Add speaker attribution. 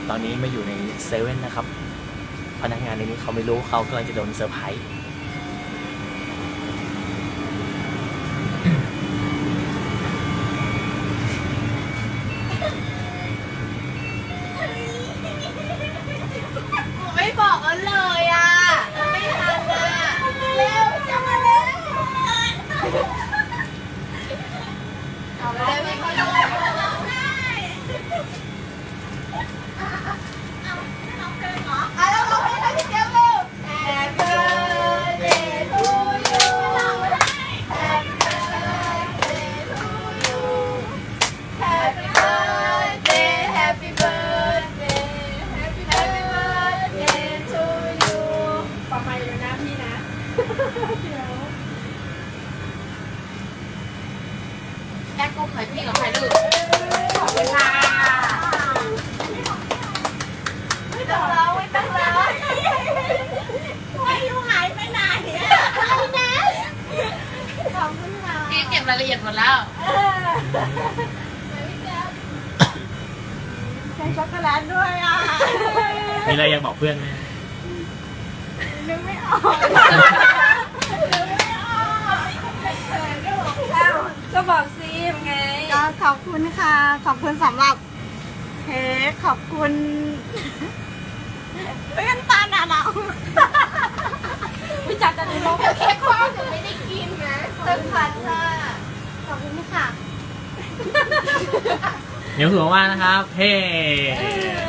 Speaker 1: ตอนนี้มาอยู่ในเซเว่นนะครับพนักงานในนี้เขาไม่รู้เขากำลังจะโดนเซอร์ไพรส์
Speaker 2: ไม่บอกกันเลยอ่ะไม่ทันอ่ะเร็วจังมาเร็วเอาแล้วไม่เขาเลยเราร้องเพลงให้พี่เจี๊ยบเร็ว Happy birthday to you Happy birthday to you Happy birthday Happy birthday Happy birthday to you ประมาณเลยนะพี่นะเดี๋ยวแอ๊กก็ใครพี่กับใครลูกขอบคุณค่ะไม่ต้องร้องไม่ต้องร้องไม่อยู่หายไปไหนอะไรนะขอบคุณค่ะพี่เก็บรายละเอียดหมดแล้วใส่ช็อกโกแลตด้วยอ่ะ
Speaker 1: มีอะไรอยากบอกเพื่อนไหม
Speaker 2: นึกไม่ออกก็บอกซีมไงก็ขอบคุณค่ะขอบคุณสำหรับเค้กขอบคุณเพื่อนตาหนาเราวิจารณ์กันเลยว่าเค้กความจะไม่ได้กินนะเติมพันค่ะขอบคุณค่ะ
Speaker 1: เดี๋ยวถือว่านะครับเฮ้